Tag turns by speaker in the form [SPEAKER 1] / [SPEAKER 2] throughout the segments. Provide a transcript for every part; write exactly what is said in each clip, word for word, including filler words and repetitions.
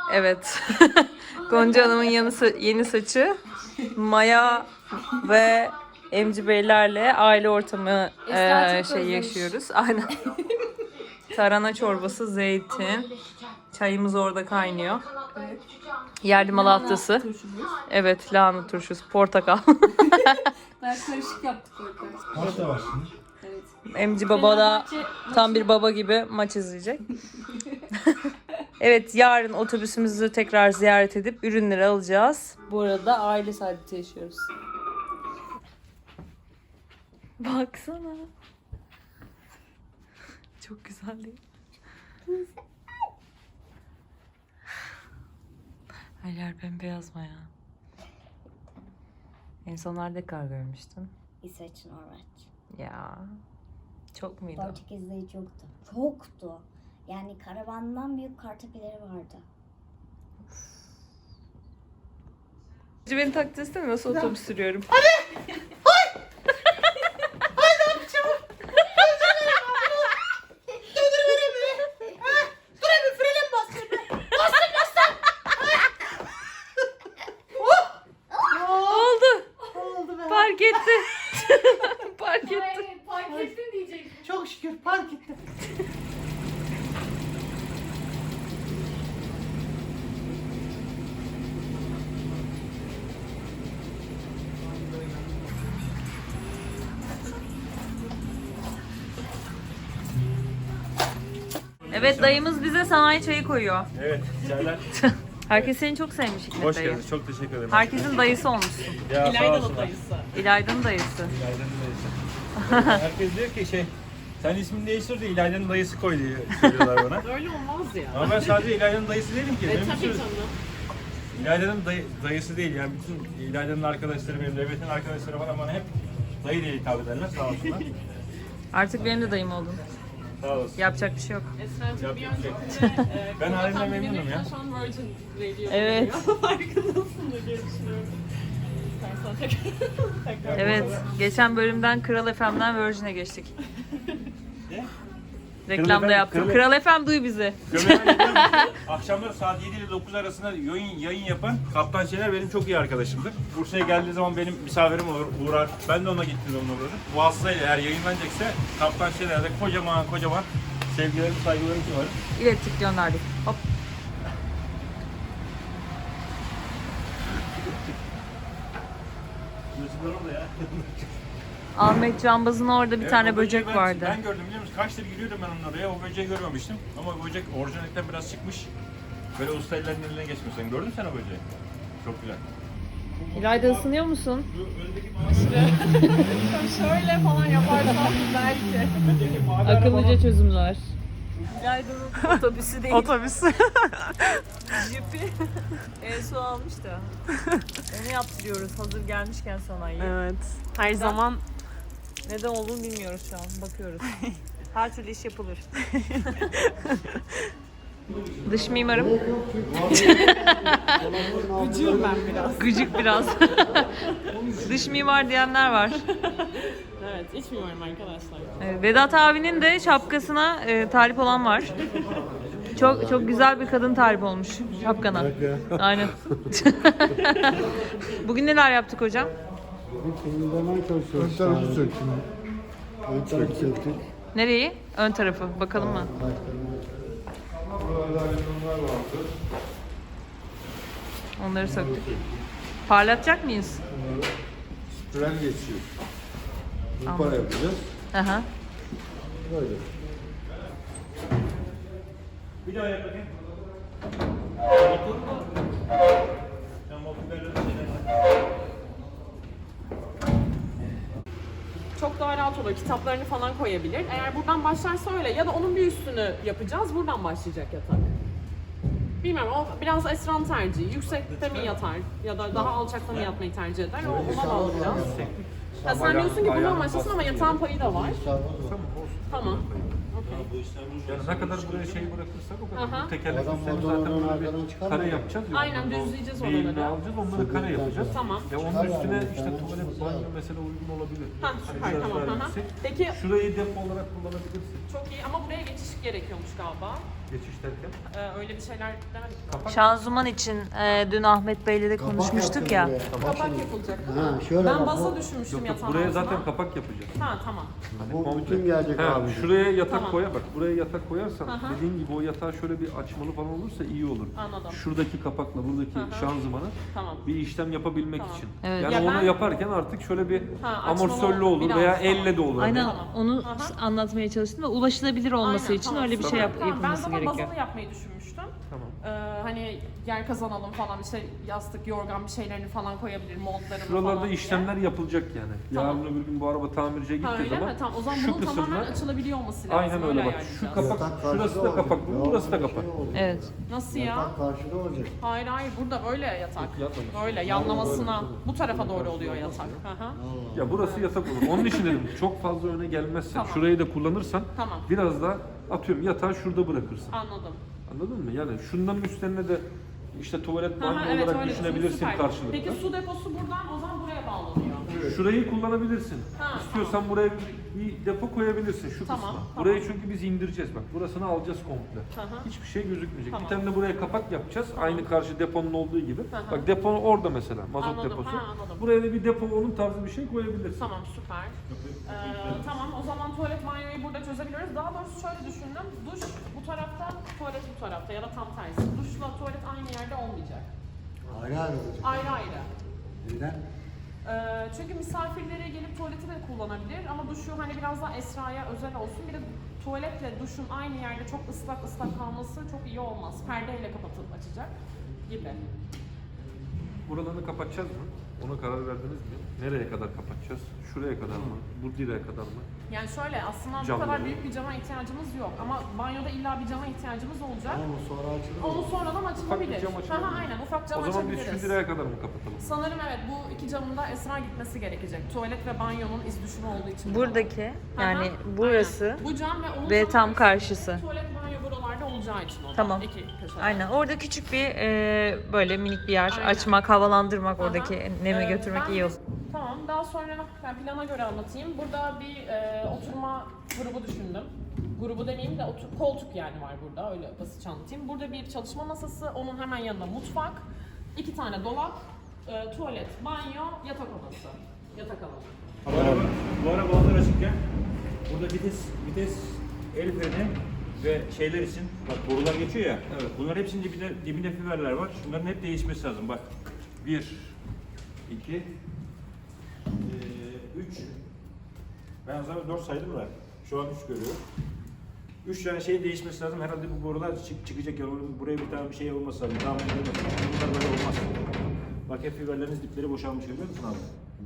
[SPEAKER 1] Evet. Gonca Hanım'ın yanı, yeni saçı. Maya ve Emci Beylerle aile ortamı e, şey yaşıyoruz. Aynen. Tarhana çorbası, zeytin. Çayımız orada kaynıyor.
[SPEAKER 2] Evet.
[SPEAKER 1] Yerli malatyası. Evet, lahana turşusu, portakal.
[SPEAKER 2] Bayağı karışık yaptık orada.
[SPEAKER 3] Maç da var şimdi.
[SPEAKER 2] Evet.
[SPEAKER 1] Emci Baba da tam bir baba gibi maç izleyecek. Evet, yarın otobüsümüzü tekrar ziyaret edip ürünleri alacağız. Bu arada aile saadeti yaşıyoruz. Baksana. Çok güzel değil mi? Her yer bembeyaz Maya. En son nerede kar görmüştün?
[SPEAKER 4] İsveç, Norveç.
[SPEAKER 1] Ya. Çok muydu?
[SPEAKER 4] Portekiz'de hiç yoktu. Çoktu. Yani karavandan büyük kartepeleri vardı.
[SPEAKER 1] Beni takdir istemiyor. Nasıl otobüs sürüyorum? Oldu.
[SPEAKER 3] Oldu be.
[SPEAKER 1] Park etti. Park etti.
[SPEAKER 2] Hayır, fark ettin diyecektim.
[SPEAKER 3] Çok şükür park ettim.
[SPEAKER 1] Evet, dayımız bize sanayi çayı koyuyor.
[SPEAKER 5] Evet, çaylar.
[SPEAKER 1] Herkes seni çok sevmiş Hikmet
[SPEAKER 5] Hoş
[SPEAKER 1] dayı.
[SPEAKER 5] geldiniz. Çok teşekkür ederim.
[SPEAKER 1] Herkesin dayısı olmuşsun.
[SPEAKER 5] Ya sağ olsunlar.
[SPEAKER 1] İlayda'nın dayısı.
[SPEAKER 5] İlayda'nın dayısı. Herkes diyor ki şey, sen ismini değiştir de İlayda'nın dayısı koy diye söylüyorlar bana.
[SPEAKER 2] Öyle olmaz ya.
[SPEAKER 5] Ama ben sadece İlayda'nın dayısı değilim ki.
[SPEAKER 2] E
[SPEAKER 5] Benim bir
[SPEAKER 2] tabii
[SPEAKER 5] sürü-
[SPEAKER 2] canım.
[SPEAKER 5] İlayda'nın dayı, dayısı değil yani bütün İlayda'nın arkadaşları, benim devletin arkadaşları falan bana hep dayı diye hitap ederler. Sağ olsunlar.
[SPEAKER 1] Artık benim de dayım oldun.
[SPEAKER 5] Sağ olasın.
[SPEAKER 1] Yapacak bir şey yok.
[SPEAKER 2] Esra'cığım bir
[SPEAKER 5] Yapacak bir
[SPEAKER 2] öncekinde e,
[SPEAKER 5] Ben halimden
[SPEAKER 2] Kral
[SPEAKER 5] memnunum
[SPEAKER 2] Efendi'nin
[SPEAKER 5] ya.
[SPEAKER 2] Şu an Virgin Radio
[SPEAKER 1] Evet.
[SPEAKER 2] oluyor. Farkındasın diye düşünüyorum. İstersen tekrar. tekrar
[SPEAKER 1] Evet, geçen bölümden Kral F M'den Virgin'e geçtik.
[SPEAKER 5] Ne?
[SPEAKER 1] Reklamda
[SPEAKER 5] Kral
[SPEAKER 1] yaptım.
[SPEAKER 5] Kral-
[SPEAKER 1] Kral F M duy bizi.
[SPEAKER 5] Akşamları saat yedi ile dokuz arasında yayın, yayın yapan Kaptan Şener benim çok iyi arkadaşımdır. Bursa'ya geldiği zaman benim misafirim olur, uğrar. Ben de ona gittim onunla uğradım. Bu vasıtayla eğer yayınlanacaksa Kaptan Şener'de kocaman kocaman sevgilerim, saygılarım var.
[SPEAKER 1] İlettik, gönderdik. Hop.
[SPEAKER 5] Yazıklar orada ya.
[SPEAKER 1] Ahmet Cambaz'ın orada bir
[SPEAKER 5] Evet,
[SPEAKER 1] tane
[SPEAKER 5] o böceği
[SPEAKER 1] böcek
[SPEAKER 5] ben,
[SPEAKER 1] vardı.
[SPEAKER 5] Ben gördüm biliyor musun? Kaçtır giriyordum ben onun oraya. O böceği görmemiştim. Ama o böcek orijinalinden biraz çıkmış. Böyle usta ellerinin eline geçmiş. Sen gördün mü sen o böceği? Çok güzel.
[SPEAKER 1] İlayda ısınıyor musun?
[SPEAKER 5] Şu öndeki mavi
[SPEAKER 2] Şöyle falan yaparsam belki.
[SPEAKER 5] öndeki mavi
[SPEAKER 1] Akıllıca çözümler. İlayda'nın otobüsü değil.
[SPEAKER 6] Otobüs.
[SPEAKER 1] Jipi. En su almış da. Onu yaptırıyoruz hazır gelmişken sanayiye.
[SPEAKER 6] Evet. Her zaman
[SPEAKER 1] Neden olduğunu bilmiyoruz şu an. Bakıyoruz. Her türlü iş yapılır. Dış mimarım.
[SPEAKER 6] gıcığım ben biraz.
[SPEAKER 1] Gıcık biraz. Dış mimar diyenler var.
[SPEAKER 6] Evet, iç mimarım arkadaşlar.
[SPEAKER 1] Evet, Vedat abinin de şapkasına e, talip olan var. Çok çok güzel bir kadın talip olmuş şapkana. Aynen. Bugün neler yaptık hocam?
[SPEAKER 7] Temizlemeye çalışıyoruz. Ön tarafı söktüm. Ön tarafı söktük.
[SPEAKER 1] Nereyi? Ön tarafı. Bakalım mı? Onları söktük. Parlatacak mıyız?
[SPEAKER 7] Sprey geçiyor. Bu
[SPEAKER 1] Anladım.
[SPEAKER 7] para yapacağız.
[SPEAKER 1] Aha.
[SPEAKER 7] Böyle.
[SPEAKER 5] Bir daha yap bakayım. Sen motorlarla şeyler var.
[SPEAKER 6] Çok daha rahat olur. Kitaplarını falan koyabilir. Eğer buradan başlarsa öyle ya da onun bir üstünü yapacağız. Buradan başlayacak yatak. Bilmiyorum, o biraz Esra'nın tercihi. Yüksekte mi yatar ya da daha alçakta mı yatmayı tercih eder? O ona bağlı biraz. Ha, sen diyorsun ki bundan başlasın ama yatağın payı da var. Tamam.
[SPEAKER 5] Yani ne kadar buraya şey bırakırsak o kadar.
[SPEAKER 6] Aha.
[SPEAKER 5] Bu tekerlek
[SPEAKER 7] Adam
[SPEAKER 5] üstlerini
[SPEAKER 7] motorunu
[SPEAKER 5] zaten böyle
[SPEAKER 7] arkadan
[SPEAKER 5] bir
[SPEAKER 7] çıkarmıyor.
[SPEAKER 5] kare yapacağız. ya.
[SPEAKER 6] Aynen,
[SPEAKER 5] Ondan
[SPEAKER 6] düzleyeceğiz
[SPEAKER 5] eğimli
[SPEAKER 6] oraları.
[SPEAKER 5] alacağız, onları kare yapacağız.
[SPEAKER 6] Tamam.
[SPEAKER 5] Ve onun üstüne işte tuvalet, banyo mesela uygun olabilir.
[SPEAKER 6] Ha,
[SPEAKER 5] Hani
[SPEAKER 6] süper,
[SPEAKER 5] biraz
[SPEAKER 6] tamam.
[SPEAKER 5] daha
[SPEAKER 6] Aha.
[SPEAKER 5] yüksek.
[SPEAKER 6] Peki
[SPEAKER 5] Şurayı depo olarak kullanabilirsin.
[SPEAKER 6] çok iyi ama buraya geçiş gerekiyormuş galiba.
[SPEAKER 5] Geçiş derken.
[SPEAKER 6] Ee, öyle bir şeyler demedik mi?
[SPEAKER 5] Kapak.
[SPEAKER 1] Şanzıman için e, dün Ahmet Bey'le de konuşmuştuk ya.
[SPEAKER 6] Kapak yapılacak değil mi?
[SPEAKER 7] Ha, şöyle
[SPEAKER 6] Ben
[SPEAKER 7] bak,
[SPEAKER 6] baza
[SPEAKER 7] bu-
[SPEAKER 6] düşünmüştüm
[SPEAKER 5] Yok yok
[SPEAKER 6] yatağın
[SPEAKER 5] buraya
[SPEAKER 6] altına.
[SPEAKER 5] zaten kapak yapacağız.
[SPEAKER 6] Ha tamam.
[SPEAKER 7] Bu bütün gelecek
[SPEAKER 5] Ha,
[SPEAKER 7] abi.
[SPEAKER 5] şuraya yatak
[SPEAKER 6] Tamam.
[SPEAKER 5] koya bak. Buraya yatak koyarsan
[SPEAKER 6] Aha.
[SPEAKER 5] dediğin gibi o yatağı şöyle bir açmalı falan olursa iyi olur.
[SPEAKER 6] Anladım.
[SPEAKER 5] Şuradaki kapakla buradaki
[SPEAKER 6] Aha.
[SPEAKER 5] şanzımanı
[SPEAKER 6] Tamam.
[SPEAKER 5] bir işlem yapabilmek
[SPEAKER 6] Tamam.
[SPEAKER 5] için.
[SPEAKER 1] Evet.
[SPEAKER 5] Yani
[SPEAKER 6] Ya
[SPEAKER 5] onu
[SPEAKER 6] ben-
[SPEAKER 5] yaparken artık şöyle bir
[SPEAKER 6] Ha, açmalı
[SPEAKER 5] amortisörlü olur
[SPEAKER 6] biraz,
[SPEAKER 5] veya
[SPEAKER 6] tamam.
[SPEAKER 5] elle de olur.
[SPEAKER 1] Aynen
[SPEAKER 6] Tamam.
[SPEAKER 1] onu
[SPEAKER 6] Aha.
[SPEAKER 1] s- anlatmaya çalıştım ve ulaşılabilir olması
[SPEAKER 6] Aynen,
[SPEAKER 1] için
[SPEAKER 6] tamam,
[SPEAKER 1] öyle bir şey
[SPEAKER 6] süper.
[SPEAKER 1] yap-
[SPEAKER 6] Tamam,
[SPEAKER 1] yapılması
[SPEAKER 6] Ben zaten
[SPEAKER 1] gerekiyor.
[SPEAKER 6] bazalı yapmayı düşünmüştüm.
[SPEAKER 5] Tamam.
[SPEAKER 6] Ee, hani yer kazanalım falan işte yastık, yorgan bir şeylerini falan koyabilir, montlarını
[SPEAKER 5] Şuralarda
[SPEAKER 6] falan diye.
[SPEAKER 5] işlemler yapılacak yani.
[SPEAKER 6] Tamam.
[SPEAKER 5] Yarın öbür gün bu araba tamirciye
[SPEAKER 6] Ha
[SPEAKER 5] gittiği
[SPEAKER 6] öyle
[SPEAKER 5] zaman
[SPEAKER 6] mi? Tamam o zaman
[SPEAKER 5] şu
[SPEAKER 6] bunun tamamen
[SPEAKER 5] kısımlar
[SPEAKER 6] açılabiliyor olması lazım.
[SPEAKER 5] aynen öyle bak. Şu
[SPEAKER 6] ayarlayacağız.
[SPEAKER 5] kapak
[SPEAKER 7] Yatak karşıda
[SPEAKER 5] şurası da
[SPEAKER 7] olacak.
[SPEAKER 5] kapak, bu burası da
[SPEAKER 7] Bir şey
[SPEAKER 5] kapak.
[SPEAKER 7] olacak.
[SPEAKER 1] Evet.
[SPEAKER 6] Nasıl ya?
[SPEAKER 7] Yatak karşıda olacak.
[SPEAKER 6] Hayır hayır burada böyle yatak.
[SPEAKER 5] Yatmamış.
[SPEAKER 6] Böyle yanlamasına bu tarafa doğru oluyor yatak. Hı hı.
[SPEAKER 5] Ya burası yatak olur. Onun için dedim çok fazla öne gelmezsen,
[SPEAKER 6] Tamam.
[SPEAKER 5] şurayı da kullanırsan
[SPEAKER 6] Tamam.
[SPEAKER 5] biraz da atıyorum yatağı şurada bırakırsın.
[SPEAKER 6] Anladım.
[SPEAKER 5] Anladın mı? Yani şunların üstlerine de işte tuvalet
[SPEAKER 6] Hı
[SPEAKER 5] banyo
[SPEAKER 6] hı, evet,
[SPEAKER 5] olarak
[SPEAKER 6] öyle
[SPEAKER 5] düşünebilirsin
[SPEAKER 6] süper.
[SPEAKER 5] karşılıklı.
[SPEAKER 6] Peki su deposu buradan o zaman buraya bağlanıyor.
[SPEAKER 5] Şurayı kullanabilirsin.
[SPEAKER 6] Ha,
[SPEAKER 5] İstiyorsan buraya bir, bir depo koyabilirsin şu
[SPEAKER 6] Tamam,
[SPEAKER 5] kısma.
[SPEAKER 6] tamam.
[SPEAKER 5] Burayı çünkü biz indireceğiz bak. Burasını alacağız komple.
[SPEAKER 6] Hı hı.
[SPEAKER 5] Hiçbir şey gözükmeyecek.
[SPEAKER 6] Tamam.
[SPEAKER 5] Bir tane de buraya kapak yapacağız. Aynı karşı deponun olduğu gibi.
[SPEAKER 6] Hı hı.
[SPEAKER 5] Bak depo orada mesela. Mazot
[SPEAKER 6] Anladım,
[SPEAKER 5] deposu.
[SPEAKER 6] ha, anladım.
[SPEAKER 5] Buraya da bir depo onun tarzı bir şey koyabilirsin.
[SPEAKER 6] Tamam süper. Ee, tamam o zaman tuvalet banyoyu burada çözebiliyoruz. Daha doğrusu şöyle düşündüm. Duş bu tarafta, tuvalet bu tarafta ya da tam tersi. Duşla tuvalet aynı yerde olmayacak.
[SPEAKER 7] Ayrı ayrı olacak.
[SPEAKER 6] Ayrı ayrı.
[SPEAKER 7] Neden?
[SPEAKER 6] Ee, çünkü misafirlere gelip tuvaleti de kullanabilir ama duşu hani biraz daha Esra'ya özel olsun. Bir de tuvaletle duşun aynı yerde çok ıslak ıslak kalması çok iyi olmaz. Perdeyle kapatıp açacak gibi.
[SPEAKER 5] Buralarını kapatacağız mı? Ona karar verdiniz mi? Nereye kadar kapatacağız? Şuraya kadar mı? Bu direğe kadar mı?
[SPEAKER 6] Yani şöyle aslında bu
[SPEAKER 5] Camları.
[SPEAKER 6] kadar büyük bir cama ihtiyacımız yok ama banyoda illa bir cama ihtiyacımız olacak.
[SPEAKER 7] Ama sonra açılır.
[SPEAKER 6] Onu sonradan
[SPEAKER 5] Ufak
[SPEAKER 6] açılabilir.
[SPEAKER 5] bir cam açılabilir.
[SPEAKER 6] Aha, aynen ufak cam
[SPEAKER 5] O zaman biz
[SPEAKER 6] açabiliriz.
[SPEAKER 5] şu direğe kadar mı kapatalım?
[SPEAKER 6] Sanırım evet bu iki camın da Esra gitmesi gerekecek. Tuvalet ve banyonun iz düşümü olduğu için.
[SPEAKER 1] Buradaki
[SPEAKER 6] Aha,
[SPEAKER 1] yani
[SPEAKER 6] aynen.
[SPEAKER 1] burası
[SPEAKER 6] Bu cam ve onun
[SPEAKER 1] ve
[SPEAKER 6] tam
[SPEAKER 1] tam karşısı.
[SPEAKER 6] Tuvalet banyo buralarda olacağı için o da.
[SPEAKER 1] Tamam.
[SPEAKER 6] İki köşede.
[SPEAKER 1] Aynen. Orada küçük bir e, böyle minik bir yer
[SPEAKER 6] Aynen.
[SPEAKER 1] açmak, havalandırmak,
[SPEAKER 6] Aha.
[SPEAKER 1] oradaki nemi
[SPEAKER 6] Ee,
[SPEAKER 1] götürmek
[SPEAKER 6] ben-
[SPEAKER 1] iyi olur.
[SPEAKER 6] Tamam, daha sonra ben plana göre anlatayım. Burada bir e, oturma grubu düşündüm. Grubu demeyeyim de otur, koltuk yani var burada, öyle basit anlatayım. Burada bir çalışma masası, onun hemen yanında mutfak, iki tane dolap, e, tuvalet, banyo, yatak odası. Yatak alanı.
[SPEAKER 5] Bu araba, bu araba hazır açıkken burada vites, vites el freni ve şeyler için bak borular geçiyor ya. Evet. Bunların hepsinin dibinde, dibinde fiberler var. Şunların hep değişmesi lazım. Bak bir, iki, eee, üç. Ben o zaman dört saydım da şu an üç görüyorum. Üç tane şey değişmesi lazım. Herhalde bu borular çık, çıkacak ya. Buraya bir tane bir şey olması lazım. Tamam, olması lazım. Bunlar böyle olmaz. Bak hep fiberleriniz dipleri boşalmış, görüyor musun abi?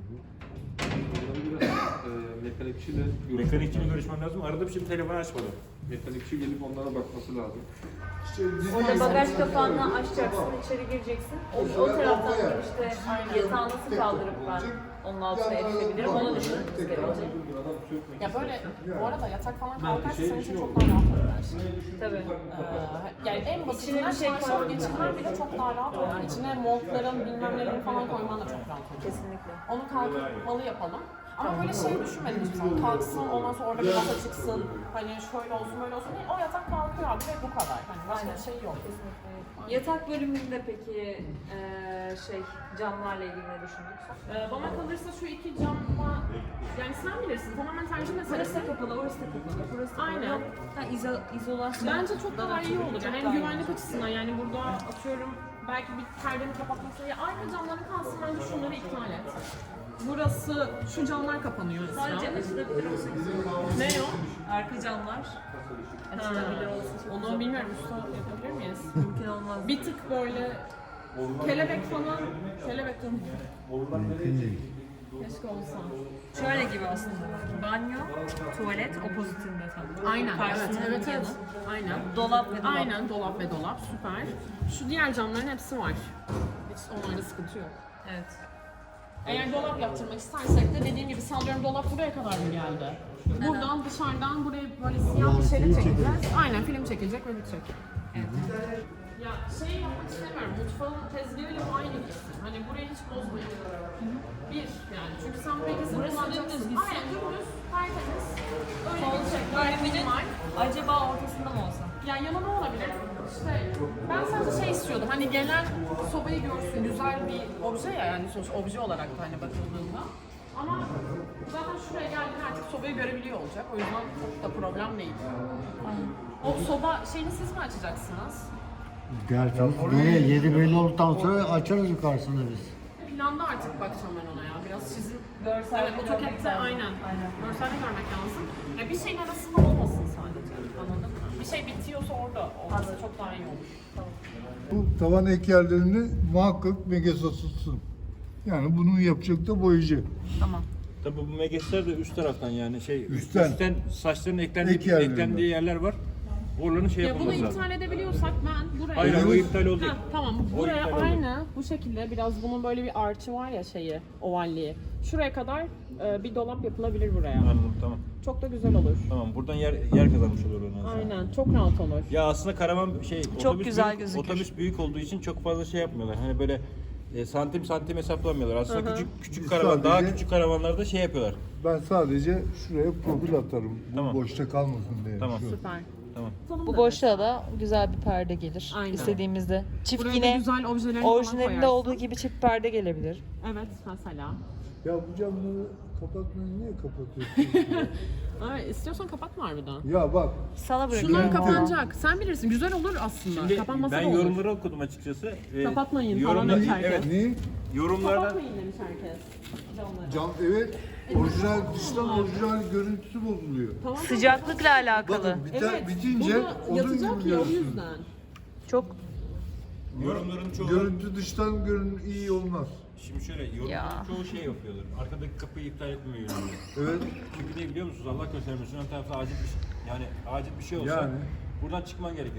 [SPEAKER 8] Biraz e, mekanikçiyle
[SPEAKER 5] Mekanikçiyle görüşmem lazım. Arada bir şey telefon açmadı.
[SPEAKER 8] mekanikçi gelip onlara bakması lazım.
[SPEAKER 1] Orada bagaj kapağını açacaksın, içeri gireceksin. O, o taraftan girişte yatağı nasıl kaldırıp ben onun altına erişebilirim, onu düşünmemiz gerekecek.
[SPEAKER 6] Ya böyle, bu arada yatak falan kalkarsa senin için çok daha rahat olur.
[SPEAKER 1] Tabii.
[SPEAKER 6] Ee, yani en basitinden
[SPEAKER 1] İçine bir şey
[SPEAKER 6] çarşaf
[SPEAKER 1] koymak
[SPEAKER 6] geçirmen bile çok daha rahat olur. İçine montların bilmem nelerin falan koyman da çok rahat olur.
[SPEAKER 1] Kesinlikle.
[SPEAKER 6] Onu kalkmalı yapalım. Ama böyle şey düşünmedim hiçbir zaman. Kalksın, ondan sonra orada bir masa çıksın. Hani şöyle olsun, böyle olsun değil. O yatak kalkıyor abi ve bu kadar. Hani başka bir şey yok.
[SPEAKER 1] Yatak bölümünde peki eee, şey camlarla ilgili ne düşündük?
[SPEAKER 6] Ee, bana kalırsa şu iki camla, yani sen bilirsin, tamamen tercih meselesi.
[SPEAKER 1] Orası da kapalı, orası da kapalı. Burası da kapalı.
[SPEAKER 6] Aynen.
[SPEAKER 1] Yok, ha, izo, izolasyon.
[SPEAKER 6] Bence çok daha iyi olur. Yani hem
[SPEAKER 1] daha iyi.
[SPEAKER 6] güvenlik açısından, yani burada atıyorum belki bir perdeni kapatması ya arka camların kalsın, bence şunları iptal et. Burası, şu camlar kapanıyor.
[SPEAKER 1] Sadece
[SPEAKER 6] Esra.
[SPEAKER 1] açılabilir olsa güzel olur.
[SPEAKER 6] Ne o?
[SPEAKER 1] Arka camlar açılabilir olsa çok
[SPEAKER 6] Onu
[SPEAKER 1] güzel.
[SPEAKER 6] bilmiyorum, usta yapabilir miyiz?
[SPEAKER 1] Mümkün olmaz.
[SPEAKER 6] Bir tık böyle kelebek falan, kelebek falan.
[SPEAKER 7] Mümkün değil.
[SPEAKER 6] Keşke olsa.
[SPEAKER 1] Şöyle gibi aslında. Banyo, tuvalet opozitinde tam.
[SPEAKER 6] Aynen, evet,
[SPEAKER 1] Karşısında
[SPEAKER 6] evet,
[SPEAKER 1] yanı.
[SPEAKER 6] evet. Aynen.
[SPEAKER 1] Dolap ve dolap.
[SPEAKER 6] Aynen, dolap ve dolap, süper. Şu diğer camların hepsi var. Hiç onlarda sıkıntı yok.
[SPEAKER 1] Evet.
[SPEAKER 6] Eğer dolap yaptırmak istersek de dediğim gibi sallıyorum dolap buraya kadar mı geldi? Buradan dışarıdan buraya böyle siyah bir şeyle çekeceğiz. Aynen film çekilecek ve bitecek.
[SPEAKER 1] Evet.
[SPEAKER 6] Ya şey yapmak istemiyorum, mutfağın tezgahıyla aynı gitsin. Hani burayı hiç bozmayın. Bir yani çünkü sen burayı kesin
[SPEAKER 1] Burası
[SPEAKER 6] kullanacaksın.
[SPEAKER 1] dümdüz gitsin.
[SPEAKER 6] Aynen dümdüz, tertemiz. Öyle
[SPEAKER 1] Sol
[SPEAKER 6] gidecek,
[SPEAKER 1] böyle
[SPEAKER 6] böyle minimal.
[SPEAKER 1] Acaba ortasında mı olsa?
[SPEAKER 6] Yani yanı ne olabilir? İşte ben sadece şey istiyordum. Hani gelen sobayı görsün. Güzel bir obje ya, yani sonuç obje olarak da hani bakıldığında. Ama zaten şuraya geldiğinde artık sobayı görebiliyor olacak. O yüzden çok da problem değil. O soba şeyini siz mi açacaksınız?
[SPEAKER 7] Gerçi böyle yedi belli olduktan sonra açarız yukarısını biz.
[SPEAKER 6] Planda artık bakacağım ben ona ya. Biraz sizin
[SPEAKER 1] Görsel
[SPEAKER 6] evet,
[SPEAKER 1] görmek
[SPEAKER 6] AutoCAD'de
[SPEAKER 1] lazım.
[SPEAKER 6] aynen. aynen. Görselde görmek lazım. Ya bir şeyin arasında olmasın sadece. Anladın mı? Bir şey bitiyorsa orada olması çok daha iyi olur.
[SPEAKER 9] Bu tavan ek yerlerini muhakkak Megasa tutsun. Yani bunu yapacak da boyacı.
[SPEAKER 1] Tamam.
[SPEAKER 5] Tabii bu megesler de üst taraftan yani şey
[SPEAKER 9] Üstten.
[SPEAKER 5] üstten saçların eklendiği,
[SPEAKER 9] Ek yerlerinden.
[SPEAKER 5] eklendiği yerler var. Oraların şey
[SPEAKER 6] Ya bunu
[SPEAKER 5] yapılması lazım.
[SPEAKER 6] iptal edebiliyorsak ben buraya...
[SPEAKER 5] Hayır, hayır, o iptal olacak.
[SPEAKER 6] Ha, tamam,
[SPEAKER 5] O
[SPEAKER 6] buraya
[SPEAKER 5] iptal
[SPEAKER 6] aynı bu şekilde biraz bunun böyle bir arçı var ya şeyi, ovalliği. Şuraya kadar e, bir dolap yapılabilir buraya.
[SPEAKER 5] Anladım, tamam.
[SPEAKER 6] Çok da güzel olur.
[SPEAKER 5] Tamam, buradan yer yer kazanmış olur ondan sonra.
[SPEAKER 6] Aynen, çok rahat olur.
[SPEAKER 5] Ya aslında karavan şey otobüs
[SPEAKER 1] güzel
[SPEAKER 5] büyük,
[SPEAKER 1] gözükür.
[SPEAKER 5] otobüs büyük olduğu için çok fazla şey yapmıyorlar. Hani böyle e, santim santim hesaplamıyorlar. Aslında küçük küçük
[SPEAKER 9] Biz
[SPEAKER 5] karavan daha
[SPEAKER 9] sadece-
[SPEAKER 5] küçük karavanlarda şey yapıyorlar.
[SPEAKER 9] Ben sadece şuraya profil atarım. Bu
[SPEAKER 5] Tamam.
[SPEAKER 9] boşta kalmasın diye.
[SPEAKER 5] Tamam.
[SPEAKER 9] Şu.
[SPEAKER 6] Süper.
[SPEAKER 5] Tamam.
[SPEAKER 1] Bu boşluğa da güzel bir perde gelir.
[SPEAKER 6] Aynen.
[SPEAKER 1] İstediğimizde. Çift
[SPEAKER 6] Buraya da
[SPEAKER 1] yine
[SPEAKER 6] güzel objelerini falan
[SPEAKER 1] orijinalinde
[SPEAKER 6] koyarsın.
[SPEAKER 1] olduğu gibi çift perde gelebilir.
[SPEAKER 6] Evet, mesela.
[SPEAKER 9] Ya bu camları kapatmayı niye kapatıyorsun?
[SPEAKER 6] Ay, istiyorsan kapatma harbiden.
[SPEAKER 9] ya bak.
[SPEAKER 1] Sana
[SPEAKER 6] Şunlar
[SPEAKER 1] bırakıyorum.
[SPEAKER 6] kapanacak. Sen bilirsin. Güzel olur aslında.
[SPEAKER 5] Şimdi
[SPEAKER 6] Kapanmasa
[SPEAKER 5] ben
[SPEAKER 6] da olur.
[SPEAKER 5] yorumları okudum açıkçası. E,
[SPEAKER 6] Kapatmayın falan
[SPEAKER 5] yorumlar-
[SPEAKER 6] demiş herkes.
[SPEAKER 5] Evet,
[SPEAKER 9] Niye?
[SPEAKER 5] yorumlarda
[SPEAKER 6] Kapatmayın demiş herkes. Camları.
[SPEAKER 9] Cam evet. Orijinal dıştan orijinal görüntüsü bozuluyor.
[SPEAKER 6] Tamam.
[SPEAKER 1] Sıcaklıkla alakalı.
[SPEAKER 9] Bakın biter,
[SPEAKER 6] Evet,
[SPEAKER 9] bitince
[SPEAKER 6] burada
[SPEAKER 9] odun
[SPEAKER 6] yatacak
[SPEAKER 9] gibi
[SPEAKER 6] ya o
[SPEAKER 9] görürsün.
[SPEAKER 6] yüzden.
[SPEAKER 1] Çok
[SPEAKER 5] yorumların çoğu
[SPEAKER 9] Görüntü dıştan görün iyi olmaz.
[SPEAKER 5] şimdi şöyle yorumların
[SPEAKER 1] Ya.
[SPEAKER 5] çoğu şey yapıyorlar. Arkadaki kapıyı iptal etmiyor yorumları.
[SPEAKER 9] Evet.
[SPEAKER 5] Çünkü ne biliyor musunuz? Allah göstermesin. Ön tarafta acil bir şey, yani acil bir şey olsa
[SPEAKER 9] Yani.
[SPEAKER 5] buradan çıkman gerekir.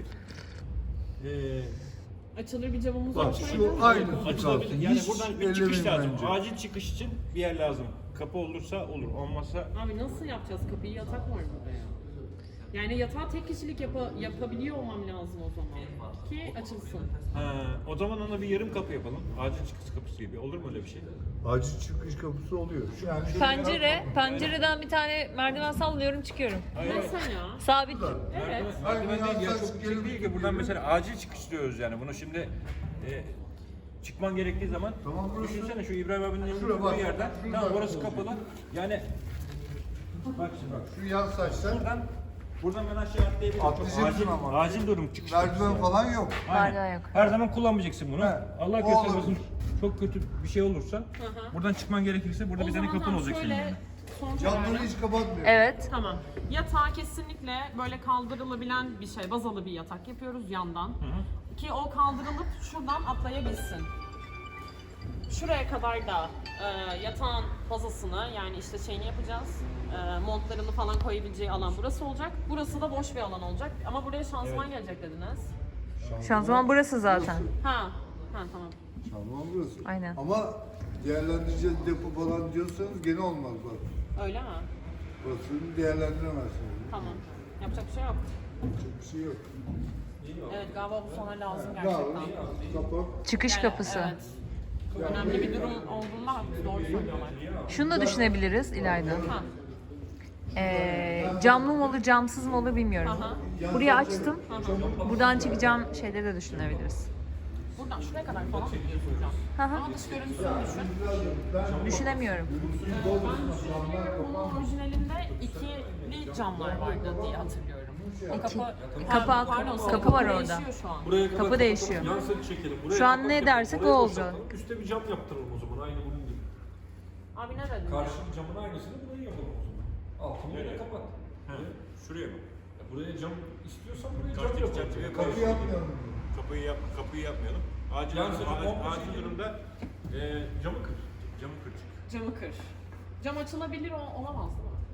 [SPEAKER 5] Ee,
[SPEAKER 6] Açılır bir camımız
[SPEAKER 9] Bak
[SPEAKER 6] olsaydı.
[SPEAKER 9] şu aynı
[SPEAKER 5] açılabilir.
[SPEAKER 9] kalsın.
[SPEAKER 5] Yani
[SPEAKER 9] Hiç
[SPEAKER 5] buradan bir çıkış
[SPEAKER 9] ellemeyin
[SPEAKER 5] lazım.
[SPEAKER 9] bence.
[SPEAKER 5] Acil çıkış için bir yer lazım. Kapı olursa olur, olmazsa
[SPEAKER 6] Abi nasıl yapacağız kapıyı? Yatak var burada ya. Yani yatağı tek kişilik yapa, yapabiliyor olmam lazım o zaman. Ki açılsın.
[SPEAKER 5] ha, o zaman ona bir yarım kapı yapalım. Acil çıkış kapısı gibi. Olur mu öyle bir şey?
[SPEAKER 9] Acil çıkış kapısı oluyor. Yani şöyle
[SPEAKER 1] pencere, pencereden bir tane merdiven sallıyorum çıkıyorum.
[SPEAKER 6] Mesela.
[SPEAKER 1] Sabit.
[SPEAKER 6] Evet.
[SPEAKER 5] Merdiven değil ya,
[SPEAKER 9] Aynen.
[SPEAKER 5] çok yüksek değil ki. Buradan mesela acil çıkış diyoruz yani. Bunu şimdi e, çıkman gerektiği zaman
[SPEAKER 9] Tamam, burası-
[SPEAKER 5] düşünsene şu İbrahim abinin
[SPEAKER 9] Şuraya
[SPEAKER 5] evinin
[SPEAKER 9] bak.
[SPEAKER 5] bir yerden.
[SPEAKER 9] Şurada
[SPEAKER 5] Tamam, orası
[SPEAKER 9] olacak.
[SPEAKER 5] kapalı. Yani bak şimdi bak.
[SPEAKER 9] şu yan saçlar
[SPEAKER 5] Buradan buradan ben aşağı atlayabilirim. Çok
[SPEAKER 9] Atlayacaksın
[SPEAKER 5] acil,
[SPEAKER 9] ama.
[SPEAKER 5] acil durum çıkış kapısı
[SPEAKER 9] merdiven
[SPEAKER 5] yani.
[SPEAKER 9] falan yok.
[SPEAKER 5] Aynen.
[SPEAKER 1] Merdiven yok.
[SPEAKER 5] Her zaman kullanmayacaksın bunu.
[SPEAKER 9] He,
[SPEAKER 5] Allah
[SPEAKER 9] o
[SPEAKER 5] göstermesin.
[SPEAKER 9] olabilir.
[SPEAKER 5] Çok kötü bir şey olursa buradan çıkman gerekirse burada
[SPEAKER 6] O
[SPEAKER 5] bir tane
[SPEAKER 6] zaman
[SPEAKER 5] kapın
[SPEAKER 6] tamam,
[SPEAKER 5] olacak senin.
[SPEAKER 6] şöyle
[SPEAKER 5] yani.
[SPEAKER 6] son
[SPEAKER 9] Camları
[SPEAKER 6] kararı.
[SPEAKER 9] hiç kapatmıyor.
[SPEAKER 1] Evet.
[SPEAKER 6] Tamam. Yatağı kesinlikle böyle kaldırılabilen bir şey, bazalı bir yatak yapıyoruz yandan. Ki o kaldırılıp şuradan atlayabilsin. Şuraya kadar da e, yatağın bazasını yani işte şeyini yapacağız. E, montlarını falan koyabileceği alan burası olacak. Burası da boş bir alan olacak. Ama buraya şanzıman gelecek dediniz.
[SPEAKER 1] Şanzıman burası zaten.
[SPEAKER 6] Ha. Ha tamam.
[SPEAKER 9] Tamam burası.
[SPEAKER 1] Aynen.
[SPEAKER 9] Ama değerlendireceğiz depo falan diyorsanız gene olmaz bak.
[SPEAKER 6] Öyle mi?
[SPEAKER 9] Burasını değerlendiremezsiniz.
[SPEAKER 6] Tamam. Yapacak bir şey yok.
[SPEAKER 9] Çok bir şey yok.
[SPEAKER 6] Evet galiba bu sana lazım
[SPEAKER 9] Ne
[SPEAKER 6] gerçekten.
[SPEAKER 9] yapalım? Kapat.
[SPEAKER 1] Çıkış
[SPEAKER 6] Yani,
[SPEAKER 1] kapısı.
[SPEAKER 6] Evet. Önemli bir durum olduğunda haklı, doğru söylüyorlar.
[SPEAKER 1] Şunu da düşünebiliriz İlayda.
[SPEAKER 6] Ha.
[SPEAKER 1] Ee, camlı mı olur, camsız mı olur bilmiyorum.
[SPEAKER 6] Aha.
[SPEAKER 1] Burayı açtım. Buradan çıkacağım şeyleri de düşünebiliriz.
[SPEAKER 6] Buradan şuraya kadar falan mı gidiyorsun hocam?
[SPEAKER 1] Hı hı.
[SPEAKER 6] Ama dış görüntüsünü düşün.
[SPEAKER 1] Düşünemiyorum.
[SPEAKER 6] Ee, ben düşünüyorum bunun orijinalinde ikili camlar vardı diye hatırlıyorum. O kapı,
[SPEAKER 1] Kapı-
[SPEAKER 6] pardon,
[SPEAKER 1] kapı var
[SPEAKER 6] kapı
[SPEAKER 1] orada.
[SPEAKER 6] değişiyor şu an.
[SPEAKER 8] Buraya kadar
[SPEAKER 1] Kapı değişiyor.
[SPEAKER 8] Yan set çekelim. Buraya
[SPEAKER 1] Şu an
[SPEAKER 8] kapak
[SPEAKER 1] ne
[SPEAKER 8] yapalım.
[SPEAKER 1] dersek
[SPEAKER 8] Buraya
[SPEAKER 1] o
[SPEAKER 8] boşaltalım.
[SPEAKER 1] olacak.
[SPEAKER 8] Üste bir cam yaptıralım o zaman aynı bunun gibi.
[SPEAKER 6] Abi ne dedin?
[SPEAKER 8] Karşı camın aynısını buraya yapalım o zaman. Altını buraya kapat.
[SPEAKER 5] Şuraya bak.
[SPEAKER 8] Ya buraya cam istiyorsan buraya cam
[SPEAKER 5] Karşı
[SPEAKER 8] yapalım.
[SPEAKER 5] çerçeve
[SPEAKER 9] Kapı
[SPEAKER 5] koyalım.
[SPEAKER 9] yapmayalım.
[SPEAKER 5] Kapıyı yap, kapıyı yapmayalım. Acil,
[SPEAKER 8] Yan seti
[SPEAKER 5] acil,
[SPEAKER 8] komple
[SPEAKER 5] acil
[SPEAKER 8] çekelim.
[SPEAKER 5] durumda
[SPEAKER 8] Ee, camı kır.
[SPEAKER 5] camı kır.
[SPEAKER 6] Camı kır. Cam açılabilir o, olamaz değil mi?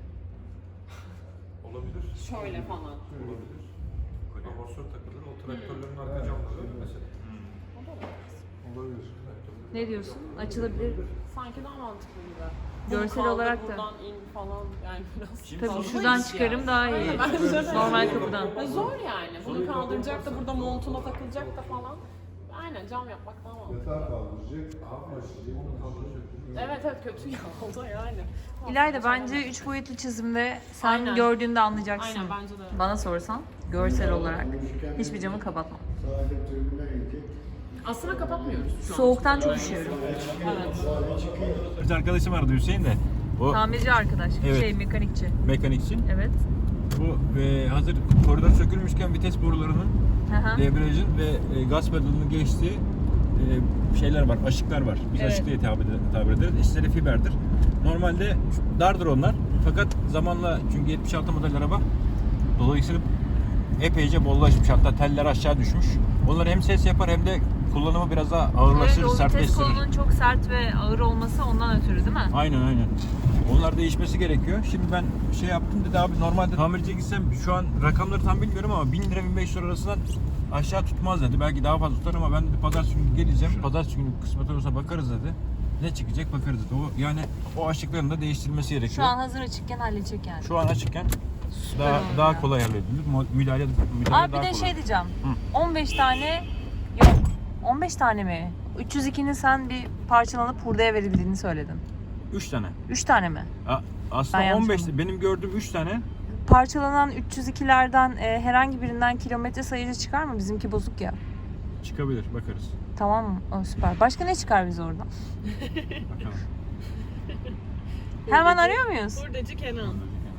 [SPEAKER 8] Olabilir.
[SPEAKER 6] Şöyle falan.
[SPEAKER 8] Olabilir. Amortisör takılır. O traktörlerin arka camları mesela.
[SPEAKER 6] O da olamaz.
[SPEAKER 9] Olabilir.
[SPEAKER 1] Ne diyorsun? Açılabilir.
[SPEAKER 6] Sanki daha mantıklı gibi.
[SPEAKER 1] Görsel
[SPEAKER 6] Bunu kaldır,
[SPEAKER 1] olarak da.
[SPEAKER 6] Buradan in falan yani biraz.
[SPEAKER 1] Tabii
[SPEAKER 6] fazla
[SPEAKER 1] şuradan
[SPEAKER 6] iş
[SPEAKER 1] çıkarım
[SPEAKER 6] yani.
[SPEAKER 1] daha iyi.
[SPEAKER 6] Aynen, bence de.
[SPEAKER 1] Normal kapıdan.
[SPEAKER 6] Ya zor yani. Bunu kaldıracak da burada montuna takılacak da falan. Aynen cam yapmak daha mantıklı.
[SPEAKER 7] Yatağı kaldıracak, başlayacak, onu kaldıracak.
[SPEAKER 6] Evet evet kötü ya oldu yani.
[SPEAKER 1] İlayda bence üç boyutlu çizimde sen
[SPEAKER 6] Aynen.
[SPEAKER 1] gördüğünde anlayacaksın.
[SPEAKER 6] Aynen bence de.
[SPEAKER 1] Bana sorsan görsel olarak hiçbir camı kapatma.
[SPEAKER 7] Sahile tribünden inecek.
[SPEAKER 6] Aslında kapatmıyoruz şu an.
[SPEAKER 1] Soğuktan çok üşüyorum.
[SPEAKER 6] Evet.
[SPEAKER 5] Bir arkadaşım vardı Hüseyin de. O
[SPEAKER 1] Tamirci arkadaş,
[SPEAKER 5] Evet.
[SPEAKER 1] şey mekanikçi.
[SPEAKER 5] mekanikçi.
[SPEAKER 1] Evet.
[SPEAKER 5] Bu e, hazır koridor sökülmüşken vites borularının,
[SPEAKER 1] Hı hı.
[SPEAKER 5] debriyajın ve e, gaz pedalının geçtiği e, şeyler var, aşıklar var. Biz
[SPEAKER 1] Evet.
[SPEAKER 5] aşık diye tabir, tabir ederiz. İçleri fiberdir. Normalde dardır onlar. Fakat zamanla çünkü yetmiş altı model araba dolayısıyla epeyce bollaşmış. Hatta teller aşağı düşmüş. Onlar hem ses yapar hem de kullanımı biraz daha ağırlaştırır,
[SPEAKER 1] Evet, o vites
[SPEAKER 5] sertleştirir.
[SPEAKER 1] kolunun çok sert ve ağır olması ondan ötürü değil mi?
[SPEAKER 5] Aynen aynen. Onlar değişmesi gerekiyor. Şimdi ben şey yaptım dedi abi normalde tamirciye gitsem şu an rakamları tam bilmiyorum ama bin lira bin beş yüz lira arasından aşağı tutmaz dedi. Belki daha fazla tutar ama ben dedi pazartesi günü geleceğim. Pazartesi günü kısmet olursa bakarız dedi. Ne çıkacak bakarız dedi. O yani o aşıkların da değiştirilmesi gerekiyor.
[SPEAKER 1] Şu an hazır açıkken halledecek yani.
[SPEAKER 5] Şu an açıkken
[SPEAKER 1] Süper
[SPEAKER 5] daha
[SPEAKER 1] oldu
[SPEAKER 5] daha
[SPEAKER 1] ya.
[SPEAKER 5] kolay halledilir. Müdahale müdahale
[SPEAKER 1] Abi bir
[SPEAKER 5] daha
[SPEAKER 1] de
[SPEAKER 5] kolay.
[SPEAKER 1] şey diyeceğim.
[SPEAKER 5] Hı.
[SPEAKER 1] on beş tane yok. on beş tane mi? üç yüz ikinin sen bir parçalanıp hurdaya verildiğini söyledin.
[SPEAKER 5] üç tane.
[SPEAKER 1] üç tane mi?
[SPEAKER 5] A-
[SPEAKER 1] Ben
[SPEAKER 5] Aslında
[SPEAKER 1] yanlış
[SPEAKER 5] on beş
[SPEAKER 1] anladım.
[SPEAKER 5] benim gördüğüm üç tane.
[SPEAKER 1] Parçalanan üç yüz ikilerden e, herhangi birinden kilometre sayıcı çıkar mı? Bizimki bozuk ya.
[SPEAKER 5] Çıkabilir bakarız.
[SPEAKER 1] Tamam mı? O, süper. Başka ne çıkar bize oradan?
[SPEAKER 5] Bakalım.
[SPEAKER 1] Hemen arıyor muyuz?
[SPEAKER 6] Hurdacı Kenan.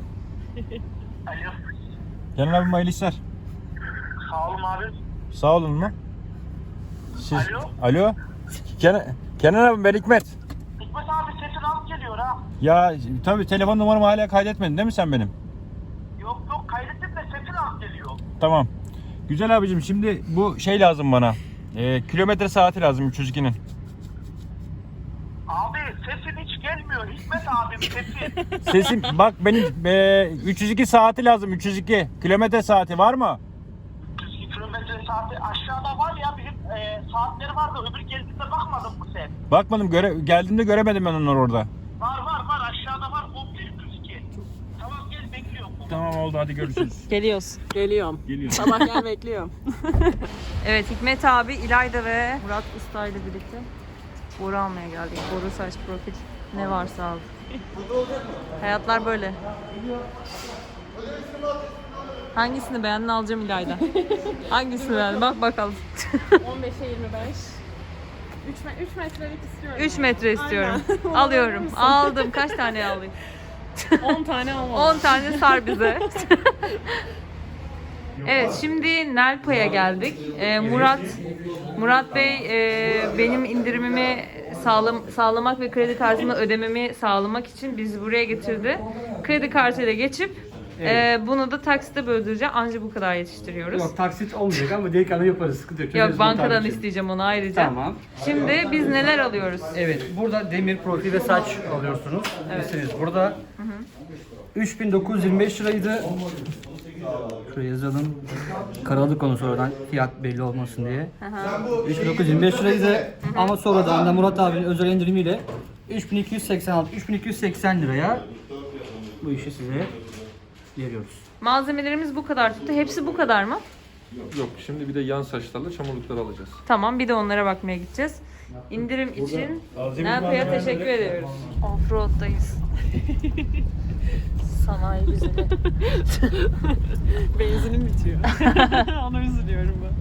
[SPEAKER 5] Kenan abim hayırlı işler.
[SPEAKER 10] Sağ olun abi.
[SPEAKER 5] Sağ olun mu? Siz...
[SPEAKER 10] Alo?
[SPEAKER 5] Alo? Kenan, Kenan abim ben Hikmet.
[SPEAKER 10] Hikmet abi sesin az geliyor ha.
[SPEAKER 5] Ya tabii telefon numaramı hala kaydetmedin değil mi sen benim?
[SPEAKER 10] Yok yok kaydettim de sesin az geliyor.
[SPEAKER 5] Tamam. Güzel abicim şimdi bu şey lazım bana. Ee, kilometre saati lazım üç yüz ikinin.
[SPEAKER 10] Abi sesin hiç gelmiyor Hikmet abim sesin.
[SPEAKER 5] Sesim bak benim e, üç yüz iki saati lazım üç yüz iki. Kilometre saati var mı?
[SPEAKER 10] yüz iki kilometre saati aşağıda var ya bizim e, saatleri vardı öbür geldiğinde bakmadın mı sen?
[SPEAKER 5] Bakmadım göre geldiğimde göremedim ben onları orada.
[SPEAKER 10] Var var var aşağıda var komple yüz iki. Tamam gel bekliyorum.
[SPEAKER 5] Tamam oldu hadi görüşürüz.
[SPEAKER 1] Geliyoruz.
[SPEAKER 6] Geliyorum.
[SPEAKER 5] Geliyor.
[SPEAKER 6] Sabah gel bekliyorum.
[SPEAKER 1] Evet Hikmet abi, İlayda ve Murat Usta ile birlikte boru almaya geldik. Boru, saç, profil ne varsa aldık. Hayatlar böyle. Hangisini beğendin alacağım İlayda. Hangisini beğendin bak bakalım.
[SPEAKER 6] on beşe yirmi beş. üç metrelik istiyorum.
[SPEAKER 1] üç metre istiyorum.
[SPEAKER 6] Aynen.
[SPEAKER 1] Alıyorum.
[SPEAKER 6] Alır mısın?
[SPEAKER 1] Aldım. Kaç tane alayım?
[SPEAKER 6] on tane olmalı.
[SPEAKER 1] on tane sar bize. Evet şimdi Nelpa'ya geldik. Ee, Murat Murat Bey e, benim indirimimi sağlam, sağlamak ve kredi kartımla ödememi sağlamak için bizi buraya getirdi. Kredi kartıyla geçip e, bunu da taksite böldüreceğim. Anca bu kadar yetiştiriyoruz.
[SPEAKER 11] Yok taksit olmayacak ama direkt ana yaparız. Sıkıntı yok.
[SPEAKER 1] Yok
[SPEAKER 11] Çözeriz
[SPEAKER 1] bankadan
[SPEAKER 11] bunu tabii ki.
[SPEAKER 1] isteyeceğim onu ayrıca.
[SPEAKER 11] Tamam.
[SPEAKER 1] Şimdi biz neler alıyoruz?
[SPEAKER 11] Evet burada demir profil ve saç alıyorsunuz.
[SPEAKER 1] Evet.
[SPEAKER 11] Listeniz burada. üç bin dokuz yüz yirmi beş liraydı. Şuraya yazalım. Karaladık onu sonradan fiyat belli olmasın diye. üç bin dokuz yüz yirmi beş liraydı ama sonradan da Murat abinin özel indirimiyle üç bin iki yüz seksen altı üç bin iki yüz seksen liraya bu işi size veriyoruz.
[SPEAKER 1] Malzemelerimiz bu kadar tuttu. Hepsi bu kadar mı?
[SPEAKER 8] Yok şimdi bir de yan saçlarla çamurlukları alacağız.
[SPEAKER 1] Tamam bir de onlara bakmaya gideceğiz. İndirim için Nelpa'ya teşekkür ediyoruz. Offroad'dayız. Sanayi güzeli.
[SPEAKER 6] Benzinim bitiyor. Ona üzülüyorum ben.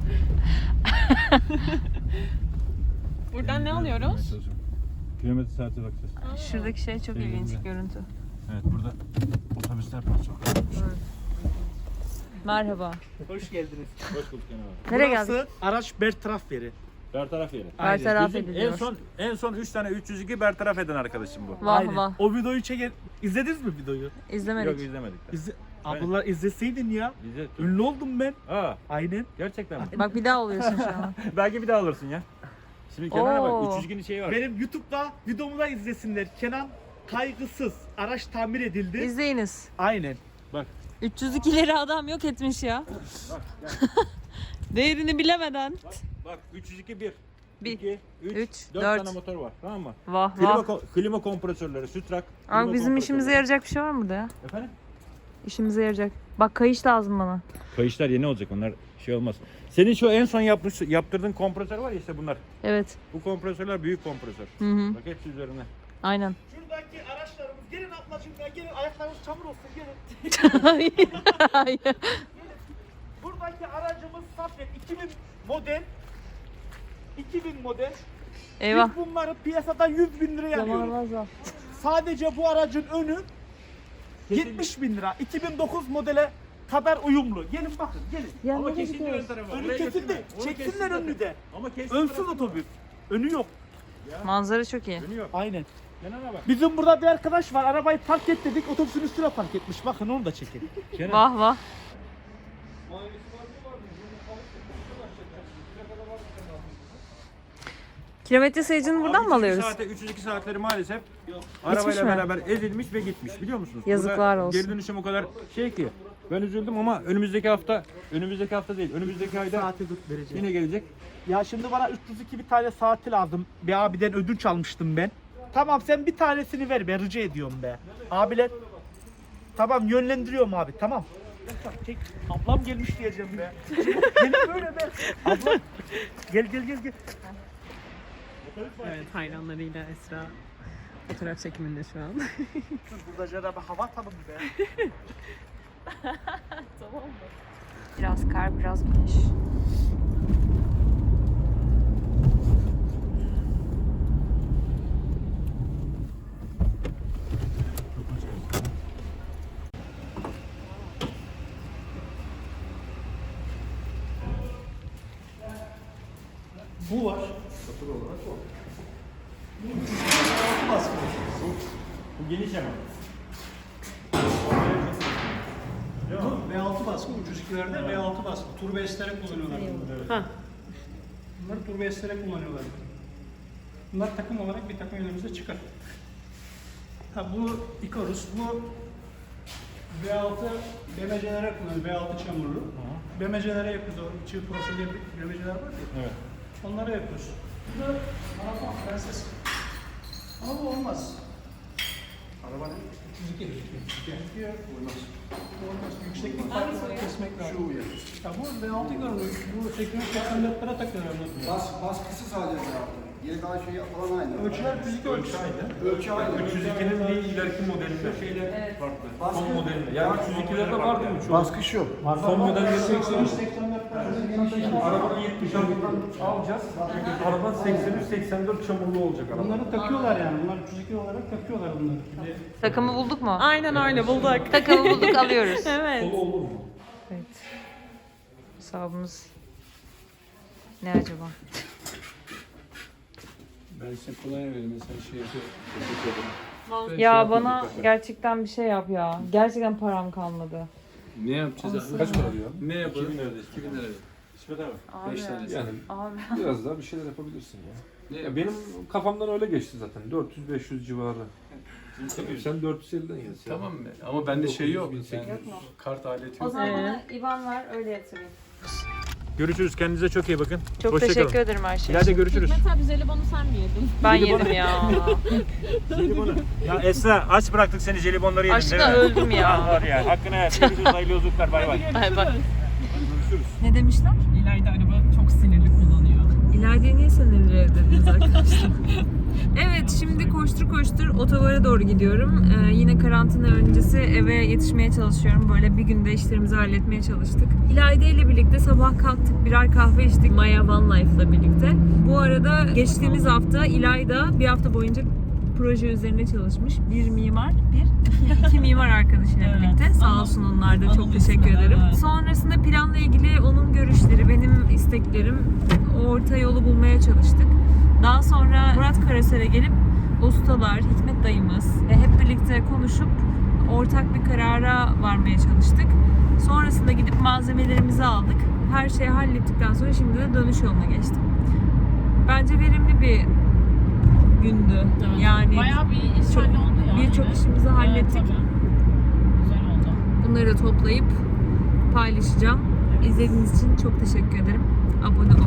[SPEAKER 6] Buradan ne alıyoruz?
[SPEAKER 5] Kilometre saate bakacağız.
[SPEAKER 1] Şuradaki şey çok ilginç görüntü.
[SPEAKER 5] Evet burada otobüsler parçalı.
[SPEAKER 1] Merhaba.
[SPEAKER 3] Hoş geldiniz.
[SPEAKER 5] Hoş bulduk Kenan abi.
[SPEAKER 1] Nereye geldik?
[SPEAKER 3] Burası araç bertaraf yeri.
[SPEAKER 5] Bertaraf yeri.
[SPEAKER 1] Bertaraf
[SPEAKER 5] Bizim
[SPEAKER 1] ediliyor.
[SPEAKER 5] en son en son üç tane üç yüz iki bertaraf eden arkadaşım bu.
[SPEAKER 1] Vah
[SPEAKER 3] Aynen.
[SPEAKER 1] vah.
[SPEAKER 3] O videoyu çeken... İzlediniz mi videoyu?
[SPEAKER 1] İzlemedik.
[SPEAKER 5] Yok izlemedik. de.
[SPEAKER 3] İzle... Ablalar izleseydin ya.
[SPEAKER 5] İzle.
[SPEAKER 3] Ünlü oldum ben.
[SPEAKER 5] Aa
[SPEAKER 3] Aynen.
[SPEAKER 5] gerçekten mi?
[SPEAKER 1] Bak bir daha oluyorsun şu an.
[SPEAKER 5] Belki bir daha alırsın ya. Şimdi Kenan'a
[SPEAKER 1] Oo.
[SPEAKER 5] bak üç yüz ikinin şeyi var.
[SPEAKER 3] Benim YouTube'da videomu da izlesinler. Kenan kaygısız. Araç tamir edildi.
[SPEAKER 1] İzleyiniz.
[SPEAKER 3] Aynen.
[SPEAKER 5] Bak
[SPEAKER 1] üç yüz ikileri adam yok etmiş ya. Değerini bilemeden.
[SPEAKER 5] bak bak üç yüz iki bir.
[SPEAKER 1] Bir,
[SPEAKER 5] iki, üç,
[SPEAKER 1] üç,
[SPEAKER 5] dört
[SPEAKER 1] dört.
[SPEAKER 5] tane motor var tamam mı?
[SPEAKER 1] Vah
[SPEAKER 5] Klima,
[SPEAKER 1] vah.
[SPEAKER 5] ko- klima kompresörleri, sütrak. klima
[SPEAKER 1] Abi bizim işimize
[SPEAKER 5] kompresörleri.
[SPEAKER 1] yarayacak bir şey var mı burada ya?
[SPEAKER 5] Efendim?
[SPEAKER 1] İşimize yarayacak. Bak kayış lazım bana.
[SPEAKER 5] Kayışlar yeni olacak onlar Bir şey olmaz. Senin şu en son yapmış, yaptırdığın kompresör var ya işte bunlar.
[SPEAKER 1] Evet.
[SPEAKER 5] Bu kompresörler büyük kompresör.
[SPEAKER 1] Hı hı.
[SPEAKER 5] Bak hepsi üzerine.
[SPEAKER 1] Aynen.
[SPEAKER 3] Şuradaki araçlarımız, gelin ablacığım ya, gelin ayaklarınız çamur olsun, gelin.
[SPEAKER 1] Hayır. Hayır.
[SPEAKER 3] Buradaki aracımız Safet iki bin model. iki bin model.
[SPEAKER 1] Eyvah.
[SPEAKER 3] Biz bunları piyasada yüz bin liraya alıyoruz. Sadece bu aracın önü yetmiş bin lira. iki bin dokuz modele kadar uyumlu. Gelin bakın, gelin.
[SPEAKER 5] Ama kesildi ön tarafa.
[SPEAKER 3] Önü
[SPEAKER 5] Oraya
[SPEAKER 3] kesildi.
[SPEAKER 5] götürme. Onu
[SPEAKER 3] Çeksinler
[SPEAKER 5] kesildi.
[SPEAKER 3] önünü de.
[SPEAKER 5] Ama kesildi.
[SPEAKER 3] Önsüz otobüs. Önü yok.
[SPEAKER 1] Manzara çok iyi.
[SPEAKER 5] Önü yok.
[SPEAKER 3] Aynen.
[SPEAKER 5] Kenara bak.
[SPEAKER 3] Bizim burada bir arkadaş var. Arabayı park et dedik. Otobüsün üstüne park etmiş. Bakın onu da çekin.
[SPEAKER 1] Vah vah. Kilometre sayıcını buradan mı alıyoruz?
[SPEAKER 5] Saate, üç yüz iki saatleri maalesef
[SPEAKER 1] mi?
[SPEAKER 5] arabayla beraber ezilmiş ve gitmiş biliyor musunuz?
[SPEAKER 1] Yazıklar
[SPEAKER 5] Burada
[SPEAKER 1] olsun.
[SPEAKER 5] Geri dönüşüm o kadar şey ki. Ben üzüldüm ama önümüzdeki hafta, önümüzdeki hafta değil, önümüzdeki ayda
[SPEAKER 3] Saati tut vereceğim.
[SPEAKER 5] yine gelecek.
[SPEAKER 3] Ya şimdi bana üç yüz iki bir tane saati lazım. Bir abiden ödünç almıştım ben. Tamam sen bir tanesini ver be, rica ediyorum be. Abiler. Tamam yönlendiriyorum abi, tamam. Çek. Ablam gelmiş diyeceğim be. Gelin böyle be. Ablam. Gel gel gel gel.
[SPEAKER 6] Evet, hayranlarıyla Esra fotoğraf çekiminde şu an.
[SPEAKER 3] Burada Cenab-ı hava atalım be.
[SPEAKER 2] Tamam mı?
[SPEAKER 1] Biraz kar, biraz güneş.
[SPEAKER 3] Bu var.
[SPEAKER 5] Bu geniş ama.
[SPEAKER 12] V altı baskı ucuz ikilerde V altı baskı. Turbo estere kullanıyorlar bunları.
[SPEAKER 6] Ha.
[SPEAKER 12] Bunları turbo estere kullanıyorlar. Bunlar takım olarak bir takım önümüzde çıkar. Ha bu Icarus, bu V altı B M C'lere kullanıyoruz. V altı çamurlu. B M C'lere yapıyoruz. O çift profilli B M C'ler var ya.
[SPEAKER 5] Evet.
[SPEAKER 12] Onlara yapıyoruz. Bu da Araba Prenses. Ama bu olmaz. Arabanın üç yüz iki. üç yüz iki. Olmaz. Olmaz. Yükseklik farkı kesmek lazım. Şu uyarı. Ya bu V altı görünüyor. Bu seksen üç seksen dörtlere takıyorlar.
[SPEAKER 7] Bas, baskısı sadece yaptı. Yine daha şey falan aynı.
[SPEAKER 12] Ölçüler fizik ölçüsü.
[SPEAKER 7] Ölçü aynı.
[SPEAKER 8] üç yüz ikinin bir ileriki modelinde. Şeyler farklı. Son modelinde. Yani üç yüz ikilerde var değil mi? Çoğu.
[SPEAKER 7] Baskı şu.
[SPEAKER 8] Son modelleri
[SPEAKER 12] seksen üç seksen dört.
[SPEAKER 8] Arabanın yetmiş altından alacağız. Araban seksen üç seksen dört çamurlu olacak araba.
[SPEAKER 12] Bunları takıyorlar yani. Bunlar üç yüz iki olarak takıyorlar bunları. Şimdi
[SPEAKER 1] Takımı bulduk mu?
[SPEAKER 6] Aynen öyle, bulduk.
[SPEAKER 1] Takımı bulduk, alıyoruz.
[SPEAKER 6] Evet.
[SPEAKER 8] Solu olur mu?
[SPEAKER 1] Evet. Hesabımız ne acaba?
[SPEAKER 8] Ben size kolay vereyim. Sen şey yapıyor.
[SPEAKER 1] Ya bana gerçekten bir şey yap ya. Gerçekten param kalmadı.
[SPEAKER 8] Ne yapacağız? Kaç para diyor? Ne yapalım?
[SPEAKER 5] iki bin lira. iki bin lira. İsmet abi.
[SPEAKER 1] Abi,
[SPEAKER 8] beş tanesi. Yani
[SPEAKER 1] abi.
[SPEAKER 8] biraz daha bir şeyler yapabilirsin ya. Ya benim kafamdan öyle geçti zaten. dört yüz beş yüz civarı. Sen dört yüz elliden yaz.
[SPEAKER 13] Tamam mı? Ama bende şey yok.
[SPEAKER 8] dokuz bin sekiz yüz.
[SPEAKER 1] Yok mu?
[SPEAKER 13] Kart aleti
[SPEAKER 1] O
[SPEAKER 13] yok.
[SPEAKER 1] zaman bana İvan ver, öyle yatırayım.
[SPEAKER 5] Görüşürüz. Kendinize çok iyi bakın.
[SPEAKER 1] Çok
[SPEAKER 5] Hoşça
[SPEAKER 1] teşekkür
[SPEAKER 5] kalın.
[SPEAKER 1] ederim her şey
[SPEAKER 5] İleride
[SPEAKER 1] için.
[SPEAKER 5] görüşürüz.
[SPEAKER 6] Hikmet abi jelibonu sen mi yedin?
[SPEAKER 1] Ben
[SPEAKER 5] Jelibonu-
[SPEAKER 1] yedim ya.
[SPEAKER 5] Jelibonu. Ya Esra aç bıraktık seni jelibonları yedin
[SPEAKER 1] Aşkına
[SPEAKER 5] değil mi?
[SPEAKER 1] öldüm ya.
[SPEAKER 5] Ah var ya. Hakkını ver. Görüşürüz. Hayırlı yolculuklar. Bay bay.
[SPEAKER 1] Ay bak.
[SPEAKER 5] Görüşürüz.
[SPEAKER 1] Ne demişler?
[SPEAKER 6] İlayda araba çok sinirli kullanıyor.
[SPEAKER 1] İlayda'ya niye sinirli dediniz arkadaşlar? Evet, şimdi koştur koştur otogara doğru gidiyorum. Ee, yine karantina öncesi eve yetişmeye çalışıyorum. Böyle bir günde işlerimizi halletmeye çalıştık. İlayda ile birlikte sabah kalktık, birer kahve içtik Maya Van Life'la birlikte. Bu arada geçtiğimiz hafta İlayda bir hafta boyunca proje üzerine çalışmış. Bir mimar, bir iki, iki mimar arkadaşıyla
[SPEAKER 6] Evet.
[SPEAKER 1] birlikte. Sağ olsun onlar da, çok
[SPEAKER 6] Anadolu
[SPEAKER 1] teşekkür
[SPEAKER 6] üstüne,
[SPEAKER 1] ederim.
[SPEAKER 6] evet.
[SPEAKER 1] Sonrasında planla ilgili onun görüşleri, benim isteklerim, orta yolu bulmaya çalıştık. Daha sonra Murat Karaser'e gelip ustalar, Hikmet dayımız ve hep birlikte konuşup ortak bir karara varmaya çalıştık. Sonrasında gidip malzemelerimizi aldık. Her şeyi hallettikten sonra şimdi de dönüş yoluna geçtim. Bence verimli bir gündü.
[SPEAKER 6] Evet.
[SPEAKER 1] Yani
[SPEAKER 6] Bayağı bir iş
[SPEAKER 1] çok-
[SPEAKER 6] halloldu yani.
[SPEAKER 1] birçok işimizi hallettik.
[SPEAKER 6] Evet, tabii. Güzel oldu.
[SPEAKER 1] Bunları da toplayıp paylaşacağım. İzlediğiniz için çok teşekkür ederim. Abone